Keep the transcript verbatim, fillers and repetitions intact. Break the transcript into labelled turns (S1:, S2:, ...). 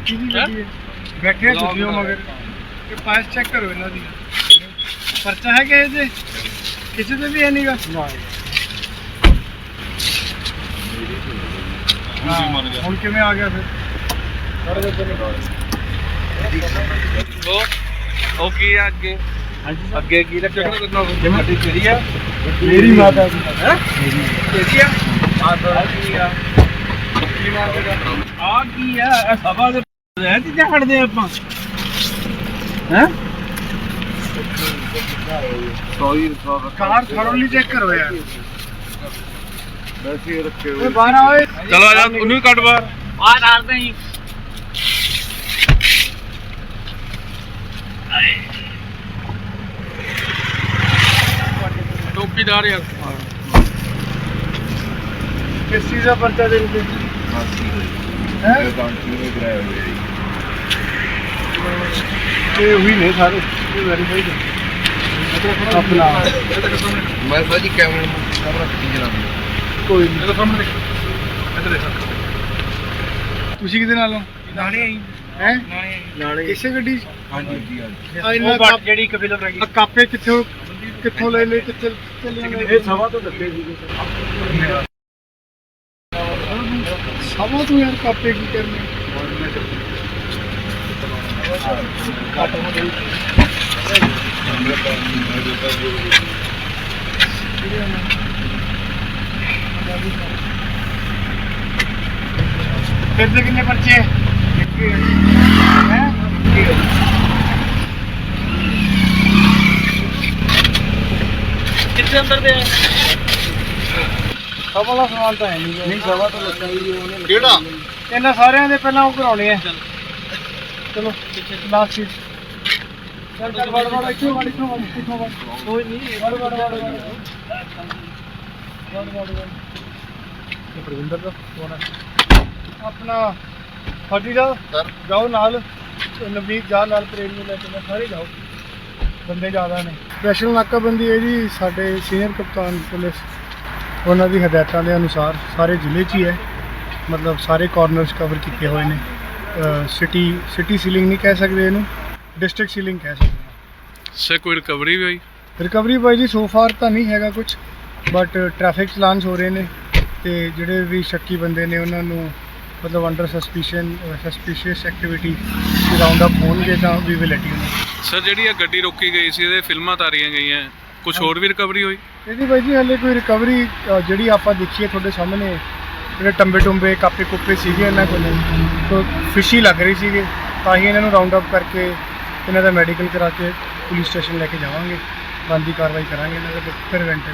S1: बैठे छुट्टियों मगर पास चेक करो इन्हों दी पर्चा है किसी से किसी से भी है नहीं गा ਹੁਣ ਕਿਵੇਂ ਆ ਗਿਆ ਫਿਰ
S2: ਉਹ ਉਹ ਕੀ ਆ ਅੱਗੇ ਅੱਗੇ ਕੀ ਰੱਖਣਾ ਕਰਨਾ
S1: ਜਮਾਤੀ ਤੇਰੀ ਆ ਮੇਰੀ ਮਾਤਾ ਦੀ ਹੈ ਤੇਰੀ ਆ ਆ ਤਾਂ ਕੀ ਆ ਕੀ ਮਾਰਦਾ ਆ ਕੀ ਆ ਇਹ ਸਭਾ ਦੇ ਰਹਿ ਤੇ ਛੱਡਦੇ ਆਪਾਂ ਹੈ
S2: ਸੌਈ
S1: ਕਾਰ ਥੋੜ੍ਹੀ ਚੈੱਕ ਕਰੋ ਯਾਰ ਵੈਸੇ ਰੱਖੇ ਹੋਏ ਬਾਹਰ ਆਏ
S2: ਚਲੋ ਆ ਜਾ ਉਹਨੂੰ ਵੀ ਕੱਢ ਬਾਹਰ
S1: ਬਾਹਰ ਆਰਦੇ ਹੀ
S2: ਚੌਕੀਦਾਰ ਯਾਰ
S1: किस चीज़ का पर्चा दे रहे हैं ये हुई नहीं सारे ये वेरीफाई अपना
S2: ਮੈਂ ਸਾਜੀ ਕੈਮਰੇ ਨੂੰ ਕੈਮਰਾ ਖਿੱਚ ਜਨਾਬ
S1: कोई नहीं
S2: ਇਹਦਾ ਸਾਹਮਣੇ ਦੇਖ ਇੱਧਰ ਦੇਖ
S1: ਤੁਸੀਂ ਕਿਹਦੇ ਨਾਲ ਹੋ
S2: ਨਾਲੇ ਆਈ
S1: ਹੈ
S2: ਨਾਲੇ
S1: ਨਾਲੇ ਇਸੇ ਗੱਡੀ
S2: ਹਾਂਜੀ ਜੀ ਹਾਂਜੀ
S1: ਆ ਇਹਨਾਂ ਕੱਪ ਜਿਹੜੀ ਇੱਕ ਫਿਲਮ ਰਹੀ ਆ ਕਾਪੇ ਕਿੱਥੋਂ ਕਿੱਥੋਂ ਲੈ ਲੈ ਕਿੱਥੇ ਚੱਲੇ ਇਹ ਸਵਾ ਤੋਂ ਲੱਗੇ ਸੀਗੇ ਸਵਾ ਤੋਂ ਯਾਰ ਕਾਪੇ ਕੀ ਕਰਨੇ फिर से कितने पर्चे हैं
S2: ਕਿੱਥੇ ਅੰਦਰ ਦੇ
S1: ਸਭ ਵਾਲਾ ਸਵਾਲ ਤਾਂ ਹੈ ਨਹੀਂ
S2: ਨਹੀਂ ਸਵਾ ਤੋਂ ਲੱਗਾ ਜੀ ਉਹਨੇ
S1: ਕਿਹੜਾ ਇਹਨਾਂ ਸਾਰਿਆਂ ਦੇ ਪਹਿਲਾਂ ਉਹ ਕਰਾਉਣੇ ਆ ਚਲੋ ਲਾਸਟ ਸੀਟ ਚੱਲ ਚੱਲ ਵੜ ਵੜ ਇੱਥੋਂ ਵੜ ਇੱਥੋਂ ਵੜ ਇੱਥੋਂ ਵੜ ਕੋਈ ਨਹੀਂ ਵੜ ਵੜ ਵੜ ਵੜ ਵੜ ਵੜ ਇਹ ਪ੍ਰਵਿੰਦਰ ਦਾ ਫੋਨ ਹੈ ਆਪਣਾ ਫੌਜੀ ਸਾਹਿਬ ਸਰ ਜਾਓ ਨਾਲ ਨਵੀਦ ਜਾ ਨਾਲ ਪ੍ਰੇਮ ਨੂੰ ਲੈ ਕੇ ਸਾਰੇ ਜਾਓ ਬੰਦੇ ਜ਼ਿਆਦਾ ਨੇ ਸਪੈਸ਼ਲ ਨਾਕਾਬੰਦੀ ਹੈ ਜੀ ਸਾਡੇ ਸੀਨੀਅਰ ਕਪਤਾਨ ਪੁਲਿਸ ਉਹਨਾਂ ਦੀ ਹਦਾਇਤਾਂ ਦੇ ਅਨੁਸਾਰ ਸਾਰੇ ਜ਼ਿਲ੍ਹੇ 'ਚ ਹੀ ਹੈ ਮਤਲਬ ਸਾਰੇ ਕਾਰਨਰਸ ਕਵਰ ਕੀਤੇ ਹੋਏ ਨੇ ਸਿਟੀ ਸਿਟੀ ਸੀਲਿੰਗ ਨਹੀਂ ਕਹਿ ਸਕਦੇ ਇਹਨੂੰ ਡਿਸਟ੍ਰਿਕਟ ਸੀਲਿੰਗ ਕਹਿ ਸਕਦੇ ਹਾਂ
S2: ਸੇ ਕੋਈ ਰਿਕਵਰੀ ਵੀ ਹੋਈ
S1: ਰਿਕਵਰੀ ਬਾਈ ਜੀ ਸੋ ਫਾਰ ਤਾਂ ਨਹੀਂ ਹੈਗਾ ਕੁਝ ਬਟ ਟ੍ਰੈਫਿਕ ਚਲਾਨਸ ਹੋ ਰਹੇ ਨੇ ਤੇ ਜਿਹੜੇ ਵੀ ਸ਼ੱਕੀ ਬੰਦੇ ਨੇ ਉਹਨਾਂ ਨੂੰ ਮਤਲਬ under suspicion suspicious activity round up ਹੋਣਗੇ ਤਾਂ ਵੀ will let you know
S2: sir ਜਿਹੜੀ ਇਹ ਗੱਡੀ ਰੋਕੀ ਗਈ ਸੀ ਇਹਦੇ ਫਿਲਮਾਂ ਤਾਰੀਆਂ ਗਈਆਂ ਕੁਝ ਹੋਰ ਵੀ ਰਿਕਵਰੀ ਹੋਈ
S1: ਇਹਦੀ ਬਾਈ ਜੀ ਹਲੇ ਕੋਈ ਰਿਕਵਰੀ ਜਿਹੜੀ ਆਪਾਂ ਦੇਖੀਏ ਤੁਹਾਡੇ ਸਾਹਮਣੇ ਜਿਹੜੇ ਟੰਬੇ ਟੁੰਬੇ ਕਾਪੇ ਕੁੱਪੇ ਸੀਗੇ ਇਹਨਾਂ ਕੋਲ ਫਿਸ਼ੀ ਲੱਗ ਰਹੀ ਸੀਗੇ ਤਾਂ ਹੀ ਇਹਨਾਂ ਨੂੰ ਰਾਉਂਡ ਅਪ ਕਰਕੇ ਇਹਨਾਂ ਦਾ ਮੈਡੀਕਲ ਕਰਾ ਕੇ ਪੁਲਿਸ ਸਟੇਸ਼ਨ ਲੈ ਕੇ ਜਾਵਾਂਗੇ ਬਣਦੀ ਕਾਰਵਾਈ ਕਰਾਂਗੇ ਇਹਨਾਂ ਦੇ ਪ੍ਰੀਵੈਂਟਿਵ